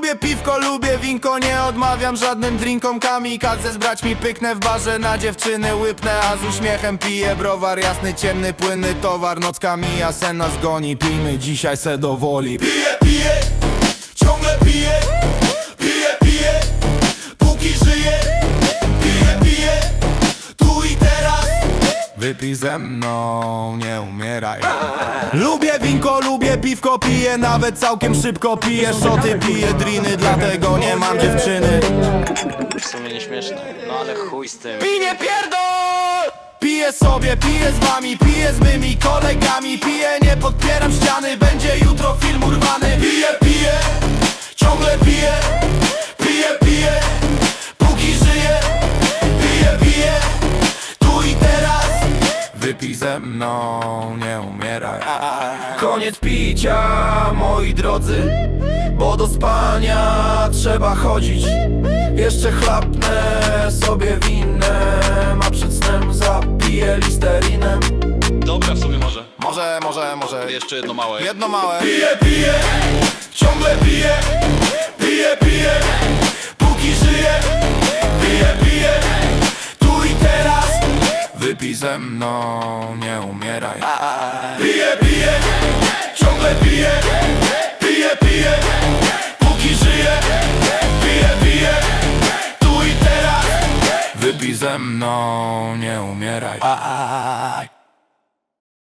Lubię piwko, lubię winko, nie odmawiam żadnym drinkom. Kamikadze z braćmi pyknę w barze, na dziewczyny łypnę, a z uśmiechem piję browar. Jasny, ciemny, płynny towar, nocka mija, sen nas goni. Pijmy dzisiaj se do woli. Piję, piję, ciągle piję. Piję, piję, póki żyję. Piję, piję, tu i teraz. Wypij ze mną, nie umieraj. Lubię winko, lubię piwko, piję nawet całkiem szybko. Piję szoty, piję driny, dlatego nie mam dziewczyny. W sumie nieśmieszne, no ale chuj z tym. I nie pierdol! Piję sobie, piję z wami, piję z mymi kolegami. Piję, nie podpieram ściany, będzie jutro film urwany. Piję, piję, ciągle piję. Piję, piję, póki żyję. Piję, piję, tu i teraz. Wypij ze mną, nie umieraj. Koniec picia, moi drodzy, bo do spania trzeba chodzić. Jeszcze chlapnę sobie winem, a przed snem zapiję listerinem. Dobra, w sumie może. Może. Jeszcze jedno małe. Jedno małe. Piję, piję, ciągle piję. Piję, piję, póki żyję. Piję, piję, tu i teraz. Wypij ze mną, nie umieraj. Piję, piję, ciągle piję. Piję, piję, póki żyję. Piję, piję, tu i teraz. Wypij ze mną, nie umieraj.